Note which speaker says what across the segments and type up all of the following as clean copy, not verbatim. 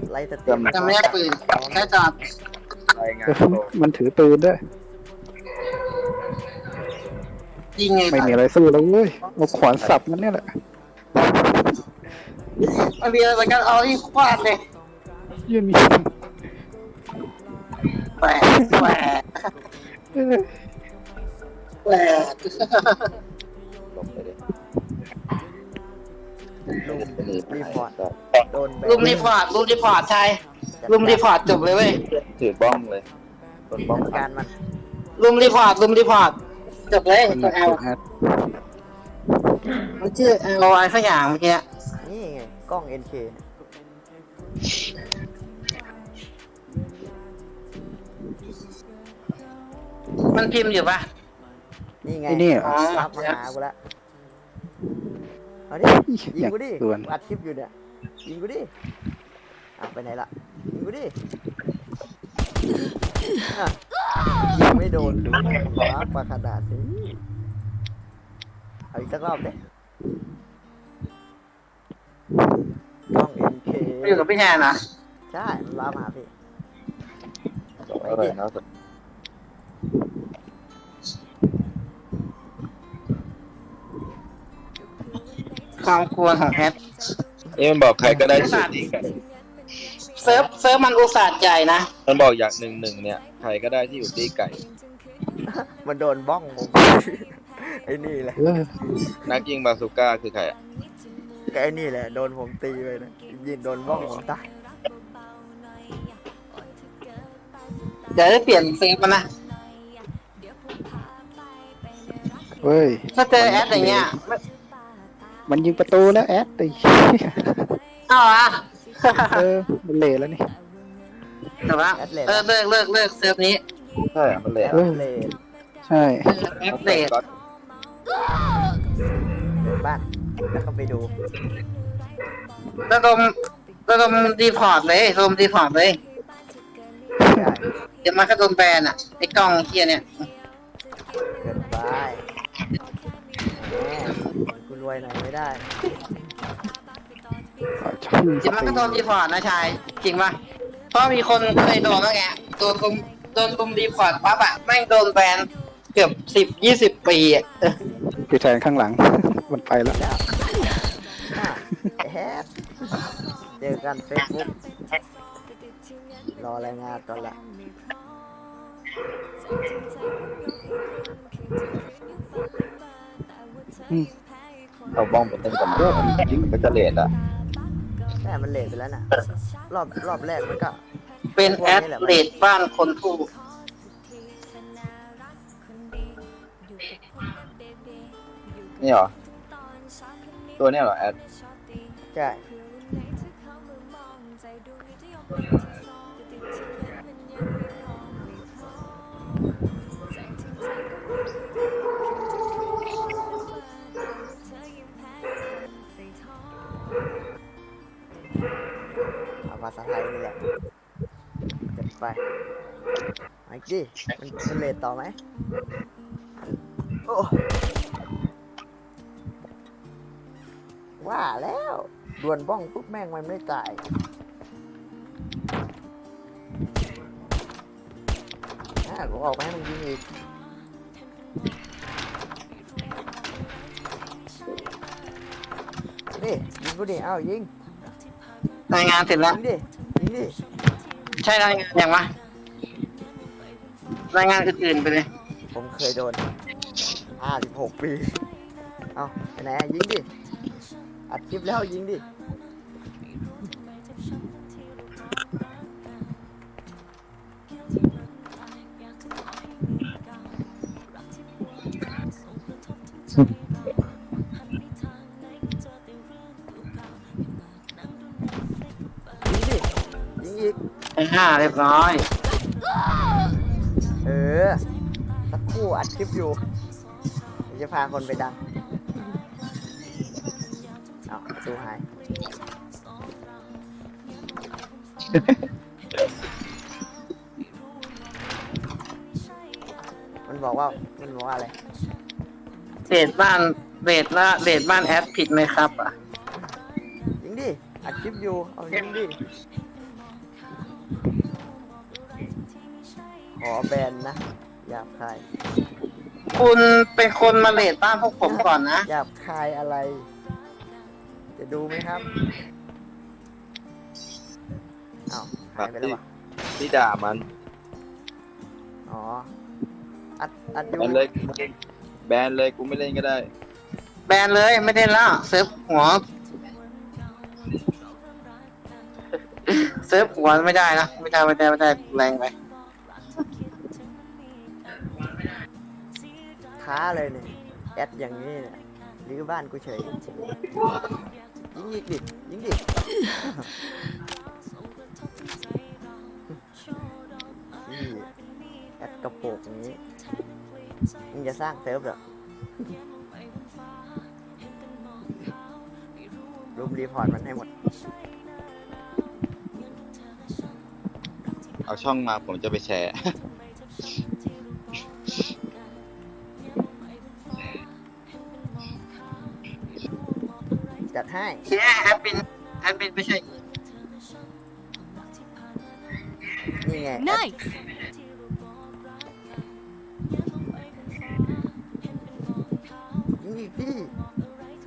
Speaker 1: ไล่สเต็ม
Speaker 2: จะไม่ได้ปืนแค่จอด
Speaker 3: รายงานตัว
Speaker 4: มันถือปืนด้วย
Speaker 2: ยิงไง
Speaker 4: ไม่มีอะไรสู้แล้วเว้ยเอาขวานสับมันเนี่ยแหละ
Speaker 2: มันมีอะไรกันเอาที่ฟาดเลย
Speaker 4: ยืนมี
Speaker 2: แหวกแหวกแหวก
Speaker 3: ลงไปเลย
Speaker 1: ลุมรีพอร์ตโดนแบน
Speaker 2: ลุมรีพอร์ตชายลุมรีพอร์ตจบเลยเว้ย
Speaker 3: ถือบ้องเลยโดนบ้อง
Speaker 1: จัดการมัน
Speaker 2: ลุมรีพอร์ตจบเลย
Speaker 4: มัน
Speaker 2: ตัว
Speaker 4: ก
Speaker 2: แอล
Speaker 4: ดแอด
Speaker 2: มันชื่อแอลอะไรสักอย่างเมื่อกี้
Speaker 1: นี่ไงกล้อง NK
Speaker 2: มันพิมพ์อยู่ปะ
Speaker 1: นี่ไง
Speaker 4: ไอ้นี่
Speaker 2: อ๋อ
Speaker 1: รับมาหากูแล้วเอาดิยิงกูดิ
Speaker 4: ส่วน
Speaker 1: อัดคลิปอยู่เนี่ยยิงกูดิอ่ะไปไหนล่ะยิงกูดิอ่ะยิงไม่โดนดูรับปากกระดาษสิเอาอีกสักรอบดิกล้อง NK
Speaker 2: มันอยู่กับพี่แทนนะ
Speaker 1: ใช่มันรับมาหาพี่
Speaker 3: อะไรนะ
Speaker 2: ความกลัวของแอด
Speaker 3: มันบอกใครก็ได้สูตรนี้กัน
Speaker 2: เซิร์ฟมันอุตส่าห์ใหญ่นะ
Speaker 3: มันบอกอย่างหนึ่งเนี่ยใครก็ได้ที่อยู่ตีไก่
Speaker 1: มันโดนบ้องผมไอ้นี่แหละ
Speaker 4: เออ
Speaker 3: นักยิงบาซูก้าคือใครอ่ะ
Speaker 1: ก็ไอ้นี่แหละโดนผมตีไปนะยิงโดนบ้องผมตาย
Speaker 2: เดี๋ยวได้เปลี่ยนเซิร์ฟมันนะ
Speaker 4: เฮ้ย
Speaker 2: ถ้าเจอแอดอย่างเงี้ย
Speaker 4: มันยิงประตูแล้วแอดไอ้
Speaker 2: อ้าวอ่ะ
Speaker 4: เออมันเละแล้วนี่
Speaker 2: แต่ว่าเลิกเซิร์ฟนี้
Speaker 3: ใช่มันเลย
Speaker 1: แอดเลน
Speaker 4: ใช่
Speaker 2: แอดเดต
Speaker 1: เดินบ้านแล้วก็ไปดู
Speaker 2: ระดมรีพอร์ตเลยระดมรีพอร์ตเลย
Speaker 1: ได้
Speaker 2: เดี๋ยวมันก็โดนแบนอ่ะไอ้กล้องเคียเนี่ย
Speaker 1: เกินไปแหมกูรวยหน่อยไม่ได้
Speaker 4: ช่าง
Speaker 2: เดี๋ยวมันก็โดนรีพอร์ตนะชายจริงป่ะเพราะมีคนเคยโดนแล้วไงโดนรุมรีพอร์ตปั๊บอะแม่งโดนแบนเกือบ10-20 ปีอ่ะ
Speaker 4: พี่แทนข้างหลัง มันไปแล้ว
Speaker 1: แล้วแฮปเจอกันเฟซบุ๊กรอรายงานก่อนละ
Speaker 3: เอาบ้องไปเต้นกับมันยิงก็จะเลดอ่ะ
Speaker 1: แต่มันเลทไปแล้วน่ะรอบแรกมันก็
Speaker 2: เป็นแอดเดตบ้านคนผู้
Speaker 3: นี่เหรอตัวเนี้ยเหรอแอด
Speaker 1: ใช่เอาภาษาไทยนี่แหละจัดไปไอ้กี้มันเลทต่อไหมโอ้ว่าแล้วดวลบ้องปุ๊บแม่งมันไม่ตายกูออกไปให้มึงยิงอีกนี่ยิงกูดิเอ้ายิง
Speaker 2: รายงานเสร็จแล้ว
Speaker 1: ยิงดิยิงดิ
Speaker 2: ใช่รายงานอย่างวะรายงานอื่นๆไปเลย
Speaker 1: ผมเคยโดน56 ปีเอาไปไหนอะยิงดิอัดคลิปแล้วยิงดิยิงอีก
Speaker 2: เรียบร้อย
Speaker 1: สักครู่อัดคลิปอยู่เดี๋ยวจะพาคนไปดังเอาประตูหาย มันบอกว่าอะไร
Speaker 2: เดทบ้านแอดผิดไหมครับอ่ะ
Speaker 1: ยิงดิอัดคลิปอยู่เอายิงดิขอแบนนะหยาบคาย
Speaker 2: คุณเป็นคนมาเลดบ้านพวกผมก่อนนะ
Speaker 1: หยาบคายอะไร จะดูไหมครับอ้าวหายไปแล้ววะ
Speaker 3: ที่ด่ามัน
Speaker 1: อ๋อ อัดอ
Speaker 3: แบ
Speaker 1: ยู่
Speaker 3: นเลยแบนเลยกูไม่เล่นก็ได้
Speaker 2: แบนเลยไม่ได้แล้วเซิร์ฟหัวเซิร์ฟหัวไม่ได้นะไม่ได้แรงไป
Speaker 1: ท้าเลยเนี่ยแอดอย่างนี้เนี่ยหรือบ้านกูเฉย ยิงอีกดิยิงดินี่แอดกระโปงอย่างนี้มึงจะสร้างเซิร์ฟเหรอรูมรีพอร์ตมันให้หมด
Speaker 3: เอาช่องมาผมจะไปแชร์
Speaker 1: จัดให้
Speaker 2: แค่แอดมินไม่ใช่
Speaker 1: นี่ไง
Speaker 5: Nice.
Speaker 1: ยิงอีกดิโอ้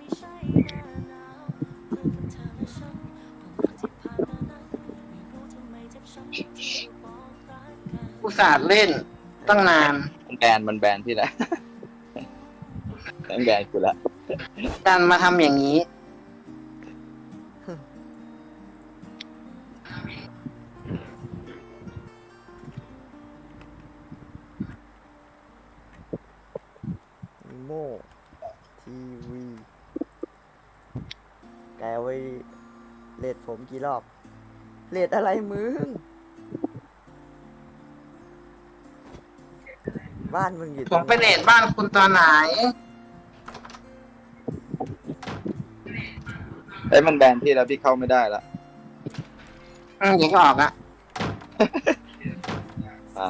Speaker 2: อุตส่าห์เล่นตั้งนาน
Speaker 3: มันแบนที่แล้ว มันแบนกูละ
Speaker 2: ดันมาทำอย่างนี้
Speaker 1: โมทีวีแกไว้เลดผมกี่รอบ เลดอะไรมึง บ้านมึงอยู่
Speaker 2: ผมไปเลดบ้านคุณตอนไหน
Speaker 3: เอ้ยมันแบนที่แล้วพี่เข้าไม่ได้ละ
Speaker 2: เดี๋ยวก็ออกอะ
Speaker 3: อ่า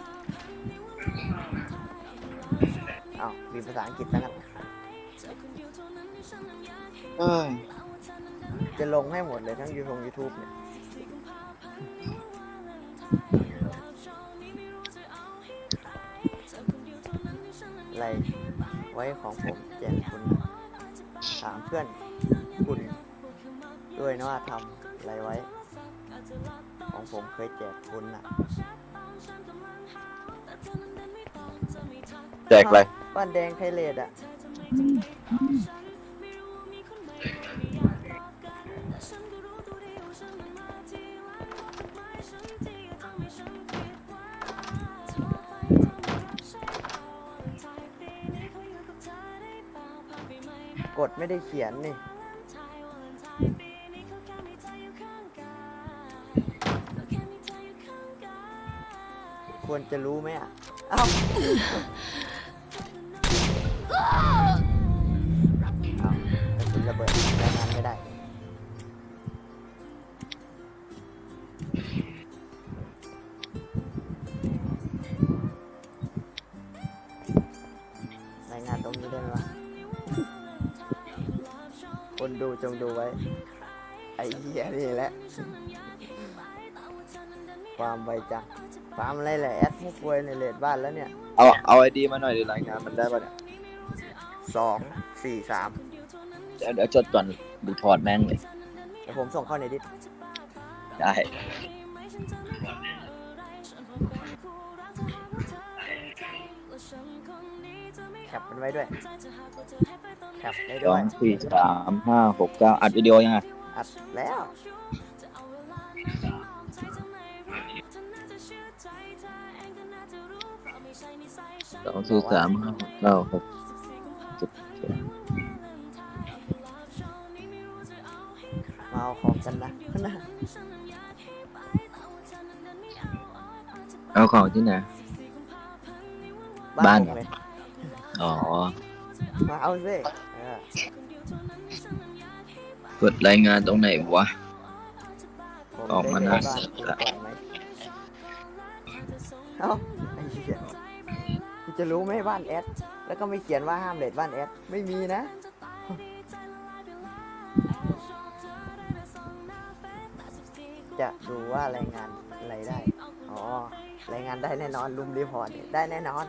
Speaker 1: อ้าวมีภาษาอังกฤษตั้งนั้น
Speaker 3: เอ้ย
Speaker 1: จะลงให้หมดเลยทั้งYouTube เนี่ย อะไรไว้ของผมแจกคุณนะถามเพื่อนคุณด้วยนะว่าทำอะไรไว้ ของผมเคยแจกคุณน่ะ
Speaker 3: แจกอะไร
Speaker 1: บ้านแดงไทยเลดอ่ะ กดไม่ได้เขียนนี่ ควรจะรู้ไหมอ่ะ เอ้า เอากระสุนระเบิดใช้งานไม่ได้ รายงานตรงนี้ได้ไหมวะ คนดูจงดูไว้ ไอ้เหี้ยนี่แหละ ความไวจังความอะไรแหละแอดมุกเวยในเลดบ้านแล้วเนี่ย
Speaker 3: เอาไอดีมาหน่อยดิรายงานมันได้ป่ะเนี่ย
Speaker 1: 2 4 3
Speaker 3: เดี๋ยวจดก่อนดูพอร์ตแม่งเลย
Speaker 1: เดี๋ยวผมส่งเข้าในดิส
Speaker 3: ได้
Speaker 1: แคปมันไว้ด้วย แคปได้
Speaker 3: ส
Speaker 1: ด้
Speaker 3: อ
Speaker 1: วย
Speaker 3: งสี่สามห้าหกเก้าอัดวิดีโอยังไง
Speaker 1: อัดแล้ว
Speaker 3: สองสี่สามห้าหกเก้าหกเจ็ดแปด
Speaker 1: มาเอาของกันนะนะ
Speaker 3: เอาของที่ไหน บ้าน
Speaker 1: ผมเลย
Speaker 3: อ๋อ
Speaker 1: มาเอาสิเออก
Speaker 3: ดรายงานตรงไหนวะ
Speaker 1: ผม
Speaker 3: ออกมา
Speaker 1: ได้
Speaker 3: นะ
Speaker 1: บ้านคุณก่อนไหมเอ้าไอ้เหี้ยคุณจะรู้ไหมบ้านแอด แล้วก็ไม่เขียนว่าห้ามเลดบ้านแอด ไม่มีนะ จจะดูว่ารายงานอะไรได้อ๋อรายงานได้แน่นอนลุมรีพอร์ตได้แน่นอน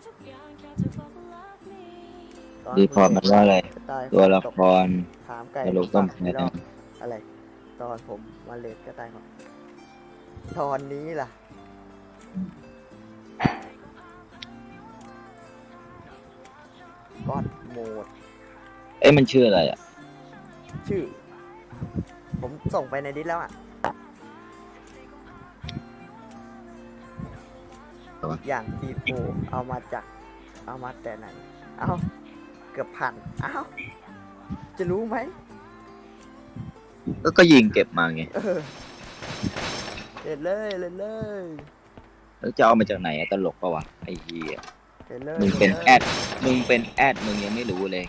Speaker 1: ตอน
Speaker 3: รีพอร์ตมันว่าอะไร
Speaker 1: ตาย
Speaker 3: ตัวละคร
Speaker 1: ถามไก่
Speaker 3: ตลกต้มแพ้
Speaker 1: รอบอะไร ตอนผมมาเลดก็ตายหมดตอนนี้ล่ะก็อดโหมด
Speaker 3: เอ้ยมันชื่ออะไรอ่ะ
Speaker 1: ชื่อ ผมส่งไปในดิสแล้วอ่ะ อย่างทีโฟเอามาแต่ไหน เอาเกือบพันเอาจะรู้ไหม
Speaker 3: ก็ยิงเก็บมาไง
Speaker 1: เออเล่นเลยเล่นเลย
Speaker 3: แล้วจะเอามาจากไหนอะตลกปะวะไอ้เหี้ย
Speaker 1: เล่นเลย
Speaker 3: มึงเป็น
Speaker 1: ล่ลย
Speaker 3: แอดมึงเป็นแอดมึงยังไม่รู้เลย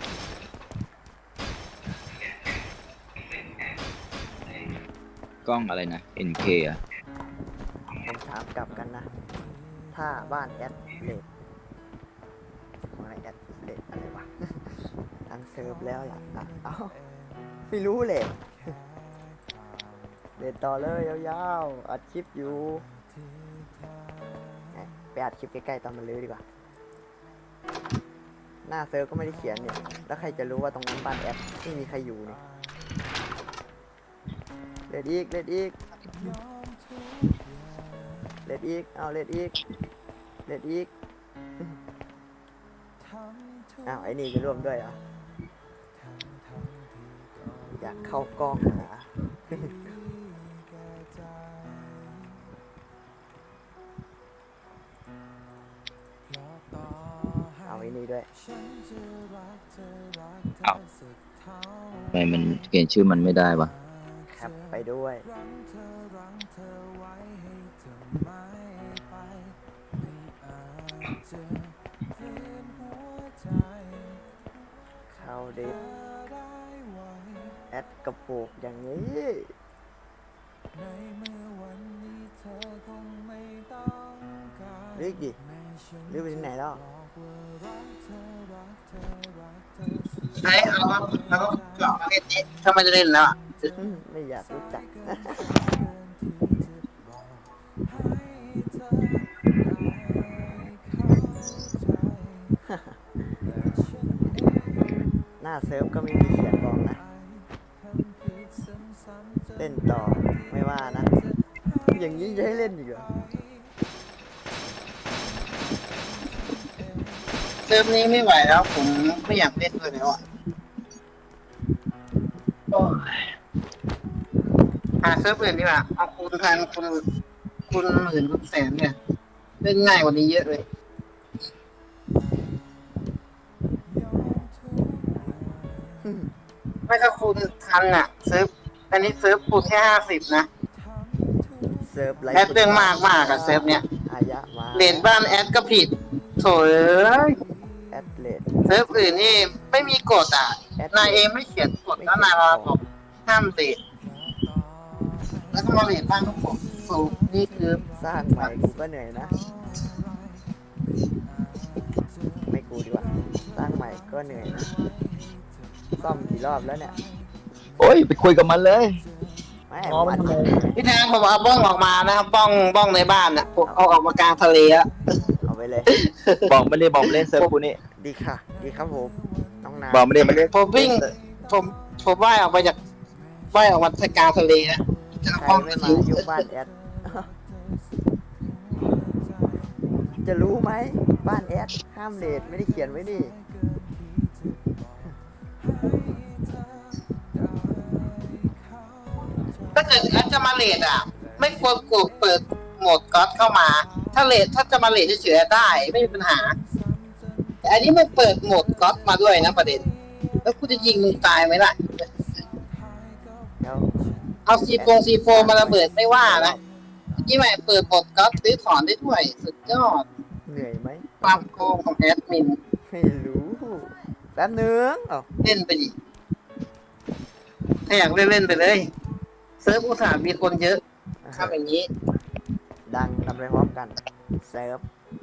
Speaker 3: กล้องอะไรนะ NK อ่ะ
Speaker 1: ผมถามกลับกันนะ ถ้าบ้านแอดเลดอะไรแอดเลดอะไรวะ ทางเซิร์ฟแล้วล่ะอ่ะเอ้าไม่รู้เลยเดินต่อเลยยาวๆอัดคลิปอยู่ไปอัดคลิปใกล้ๆตอนมันลื้อดีกว่า หน้าเซิร์ฟก็ไม่ได้เขียนเนี่ย แล้วใครจะรู้ว่าตรงนั้นบ้านแอดไม่มีใครอยู่เนี่ยเลดอีกเลดอีกเลดอีกเอาเลดอีกเลดอีกอ้าวไอ้นี่จะร่วมด้วยเหรออยากเข้ากล้องเหรอ เอาไอ้นี่ด้วย
Speaker 3: เอ้าทำไมมันเขียนชื่อมันไม่ได้วะ
Speaker 1: แคปไปด้วยเข้าดิสแอดกระปุกอย่างนี้ลึกดิลึกไปที่ไหนแล้ว
Speaker 2: ใช้เอาแล้วก็มาเล่นนี้ถ้าไม่ได้เล่นแล้วอะ
Speaker 1: ไม่อยากรู้จัก หน้าเซิร์ฟก็ไม่มีเขียนบอกนะ เล่นต่อไม่ว่านะ อย่างนี้จะให้เล่นอีกเหรอ
Speaker 2: เซิร์ฟนี้ไม่ไหวแล้วผมไม่อยากเล่นด้วยแล้วอ่ะโอ้ยหาเซิร์ฟอื่นดีกว่าเอาคูณพันคูณหมื่นคูณแสนเนี่ยเล่นง่ายกว่านี้เยอะเลยไม่ก็คูณพันอ่ะเซิร์ฟอันนี้เซิร์ฟคูณแค่50นะ
Speaker 1: เซิร์ฟไล
Speaker 2: แอดเรื่องมากอะเซิร์ฟเนี้ย
Speaker 1: อายะมา
Speaker 2: เรทบ้านแอดก็ผิดโถเอ้ย
Speaker 1: แอดเลด
Speaker 2: เซิร์ฟอื่นนี่ไม่มีกฎอ่ะ นายเองไม่เขียนกฎแล้วนายมาบอกห้ามเรทแล้วก็มาเรทบ้านทุกคนสูงนี่คือ
Speaker 1: สร้างใหม่กูก็เหนื่อยนะ ไม่กูดีกว่า สร้างใหม่ก็เหนื่อยนะ ซ่อมกี่รอบแล้วเนี่ย
Speaker 3: โอ้ยไปคุยกับมันเลย
Speaker 1: ไม่
Speaker 3: อ๋อมันทำไม
Speaker 2: พี่แทนผมเอาบ้องออกมานะครับบ้องในบ้านอ่ะผมเอาออกมากลางทะเลอะ
Speaker 1: เอาไปเลย
Speaker 3: บอกไม่ได้บอกเล่นเซิร์ฟกูนี่
Speaker 1: ดีค่ะ ดีครับผม น้องนา
Speaker 3: บอกไม่ได้มาเล่น
Speaker 2: ผมวิ่งผมว่ายออกมาจากว่ายออกมาจากกลางทะเลนะจะ
Speaker 1: ใคร
Speaker 2: ห้อง
Speaker 1: ไม่
Speaker 2: กระ
Speaker 1: มา
Speaker 2: ทิ้ว
Speaker 1: ยุ่งบ้านแอด จะรู้ไหม บ้านแอด ห้ามเลทไม่ได้เขียนไว้นี่
Speaker 2: ถ้าเกิดแอดจะมาเรทอ่ะ ไม่ควรกดเปิดโหมดก๊อตเข้ามา ถ้าจะมาเรทเฉยๆได้ไม่มีปัญหา แต่อันนี้มันเปิดโหมดก๊อตมาด้วยนะประเด็น แล้วกูจะยิงมึงตายไหมล่ะ
Speaker 1: เดี๋ยว
Speaker 2: เอาซีโฟมาระเบิดไม่ว่านะเมื่อกี้แม่เปิดโหมดก๊อตซื้อถอนได้ด้วย สุดยอด
Speaker 1: เหนื่อยไหม
Speaker 2: ความโกงของแอดมิน
Speaker 1: ไม่รู้ แป๊บนึงเอ้า
Speaker 2: เล่นไปดิถ้าอยากเล่นไปเลย เซิร์ฟอุตส่าห์มีคนเยอะทำอย่างนี้
Speaker 1: ดังทำไปพร้อมกัน เซิร์ฟ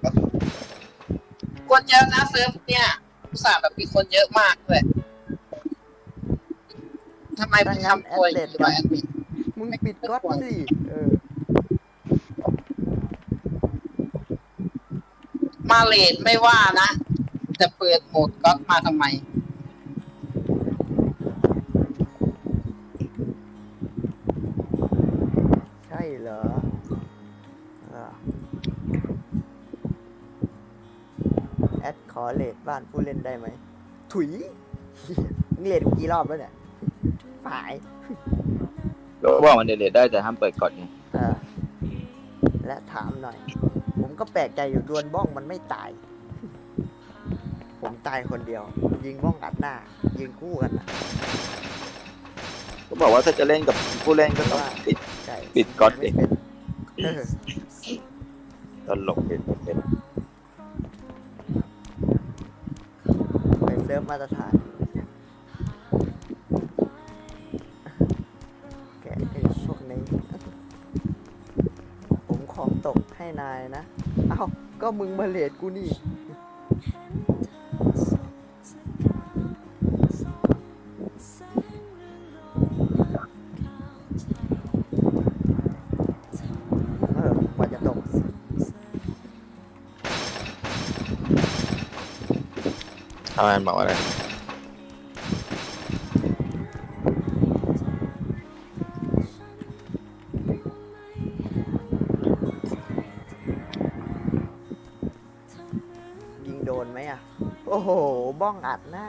Speaker 2: คนเยอะนะเซิร์ฟเนี่ยอุตส่าห์แบบมีคนเยอะมากด้วยทำไมถึงทำตัวอย่างนี้วะแอดมิน
Speaker 1: มึงปิดก๊อตสิ
Speaker 2: มาเลทไม่ว่านะ จะเปิดโหมดก๊อตมาทำไม
Speaker 1: ใช่เหรอแอดขอเลทบ้านผู้เล่นได้ไหมถุยมึงเลทกี่รอบแล้วเนี่ยฝ่าย
Speaker 3: ก็บอกมันเดทได้แต่ห้ามเปิดก่อนไง
Speaker 1: และถามหน่อย ผมก็แปลกใจอยู่ดวลบ้องมันไม่ตาย ผมตายคนเดียว ยิงบ้องอัดหน้า ยิงคู่กันนะ
Speaker 3: ก็บอกว่าถ้าจะเล่นกับผู้เล่นก็ต้องปิด
Speaker 1: ใช่
Speaker 3: ปิดก๊อตดิ
Speaker 1: ไม่เป็น
Speaker 3: ตลกเป็น
Speaker 1: ไปเซิร์ฟมาตรฐานแกะไอ้พวกนี้ ผมของตกให้นายนะ เอ้า ก็มึงมาเลทกูนี่ กว่าจะตก
Speaker 3: ทำไมบอกอะไร
Speaker 1: ยิงโดนไหมอ่ะ โอ้โห บ้องอัดหน้า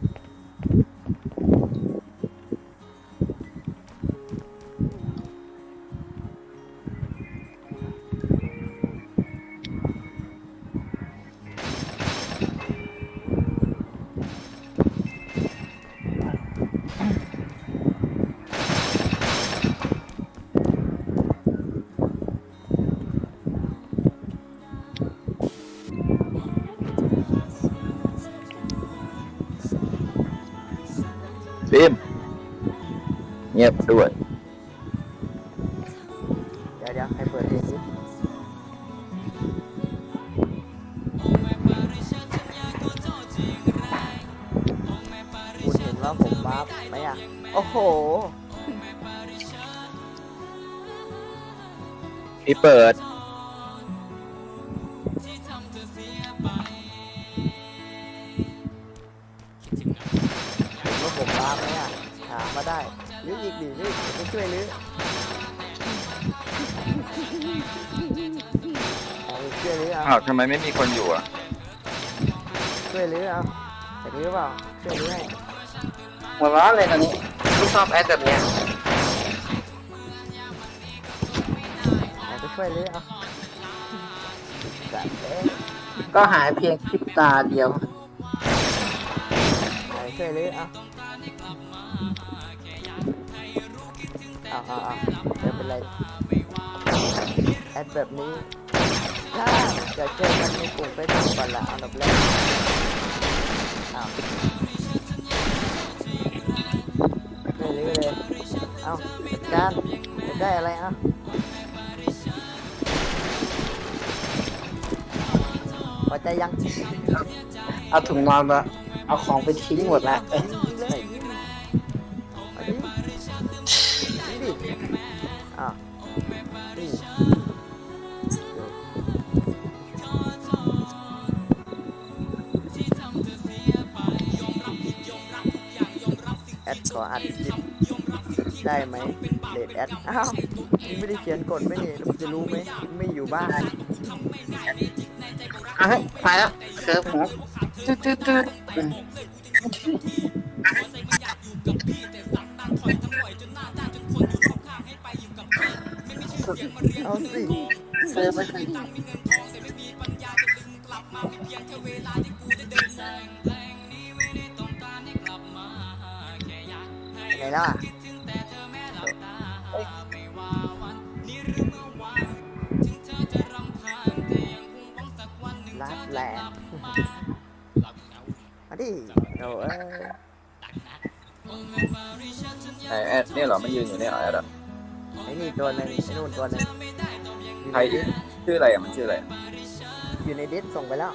Speaker 3: ฟิล์มเงียบด้วย
Speaker 1: เดี๋ยวให้เปิดเพลงนี้คุณเห็นว่าผมบัฟไหมอ่ะ โอ้โห
Speaker 3: พี่เปิด
Speaker 1: เห็นว่าผมบัฟไหมอ่ะ ถามมาได้ลื้ออีกดิลื้อจะไปช่วยลื้อเอาไปช่วยลื้อเอา
Speaker 3: อ้าวทำไมไม่มีคนอยู่อ่ะ
Speaker 1: ช่วยลื้อเอาแต่ลื้อเปล่าช่วยลื้อให้
Speaker 2: หัวร้อนเลยตอนนี้ไม่ชอบแอดแบบเนี้ย
Speaker 1: แต่ไปช่วยลื้อเอาจัดเอ๊ะ
Speaker 2: ก็หายเพียงพริบตาเดียว
Speaker 1: ไปช่วยลื้อเอาเดี๋ยวเป็นไรแอดแบบนี้ถ้าจะเจอกันในกลุ่มเฟซบุ๊กก่อนละอันดับแรกอ้าวช่วยลื้อเลยเอาจัดการจะได้อะไรเอาพอใจยัง
Speaker 2: เอาถุงนอนมาเอาของไปทิ้งหมดแล้ว
Speaker 1: ยิงเลยเอาดิยิงดิอ้าวนี่แอดขออัดคลิปได้ไหมเลดแอดอ้าวมึงไม่ได้เขียนกฎไหมนี่แล้วมึงจะรู้ไหมไม่อยู่บ้าน
Speaker 2: อ่ะเฮ้ยไปแล้วเคิร์ฟหัวตืด
Speaker 1: เอาสิ
Speaker 2: เคิร์ฟไปเลย
Speaker 1: ไงล่ะลัดแหลกมาดิโอ้เอ้ย
Speaker 3: ไอแอดเนี่ยเหรอไม่ยืนอยู่เนี่ยเหรอแอดอะ
Speaker 1: ไอ้นี่ตัวหนึ่งไอ้นู่นตัวหนึ่ง
Speaker 3: ใครชื่ออะไรอ่ะมันชื่ออะไรอะ
Speaker 1: อยู่ในดิสส่งไปแล้ว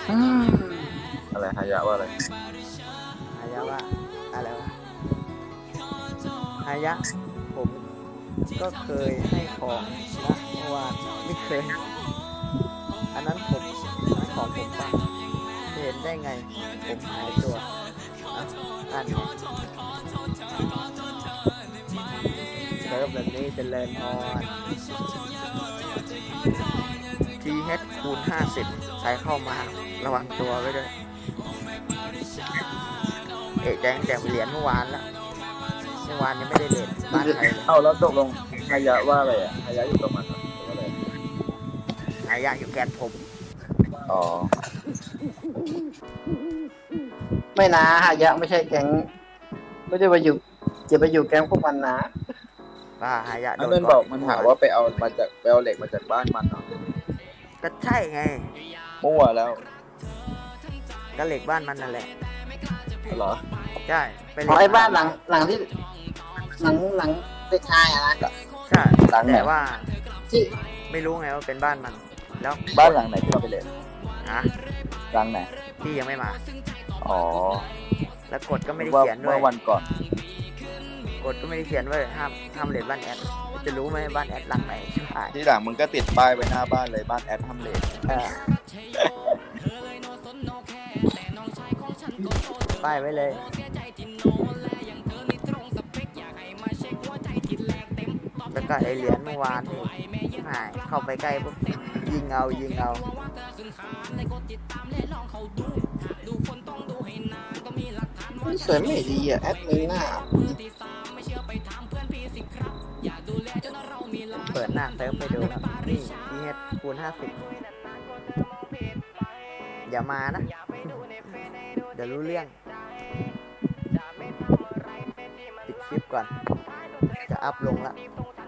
Speaker 3: อะไรฮายะว่าอะไร
Speaker 1: ฮายะว่าอะไรวะฮายะผมก็เคยให้ของนะเมื่อวานไม่เคย อันนั้นผมอันของผมปะเห็นได้ไงผมหายตัวอ่านไงเซิร์ฟแบบนี้เจริญพร TH คูณ 50 ใช้เข้ามาระวังตัวไว้ด้วย แจ้งแต่เหรียญเมื่อวานแล้วเมื่อวานยังไม่ได้เหรียญบ้านใครเลย
Speaker 3: เอ้าแล้วตกลงฮายะว่าอะไรอ่ะฮายะอยู่กับมันเหรอหรือว่าอะไร
Speaker 1: หายากอยู่แกนผม
Speaker 3: อ๋อ
Speaker 2: ไม่นะฮายะไม่ใช่แก๊งไม่ได้ไปอยู่จะไปอยู่แก๊งพวกมันนะ
Speaker 1: ป้าหายากโด
Speaker 3: อัน
Speaker 1: น
Speaker 3: นั้นบอกมันหาว่าไปเอาเหล็กมาจากบ้านมันเหรอ
Speaker 1: ก็ใช่ไง
Speaker 3: มั่วแล้ว
Speaker 1: ก็เหล็กบ้านมันนั่นแหละ
Speaker 3: เหรอ
Speaker 1: ใช่ไป
Speaker 2: ขอไอ้บ้านหลังที่หลังเด็กชายอะนะ
Speaker 1: ใช่
Speaker 3: หลังไหน
Speaker 1: แต่ว่า
Speaker 2: ที่
Speaker 1: ไม่รู้ไงว่าเป็นบ้านมัน แล้ว
Speaker 3: บ้านหลังไหนที่เราไปเล่น
Speaker 1: ฮะ
Speaker 3: หลังไหน
Speaker 1: ที่ยังไม่มา
Speaker 3: อ๋อ
Speaker 1: แล้วกฎก็ไม่ได้
Speaker 3: ว่า
Speaker 1: เขียนด้ว
Speaker 3: เมื่
Speaker 1: ย
Speaker 3: อวันก่อน
Speaker 1: กฎก็ไม่ได้เขียนว่าห้ามเหรียญบ้านแอดจะรู้ไหมบ้านแอดหลังไหนใช่ไหม
Speaker 3: ที่หลังมึงก็ติดป้ายไว้หน้าบ้านเลยบ้านแอดทำเลท
Speaker 1: ป้ายไว้เลยแล้วก็ไอเหรียญเมื่อวานนี่หายเข้าไปใกล้ปุ๊บยิงเอา
Speaker 2: สวยไม่ดีอ่ะแอดมินหน้า
Speaker 1: เปิดหน้าเซิร์ฟไปดูแล้วนี่ TH คูณ 50 อย่ามานะ เดี๋ยวรู้เรื่องปิดคลิปก่อน จะอัพลงละ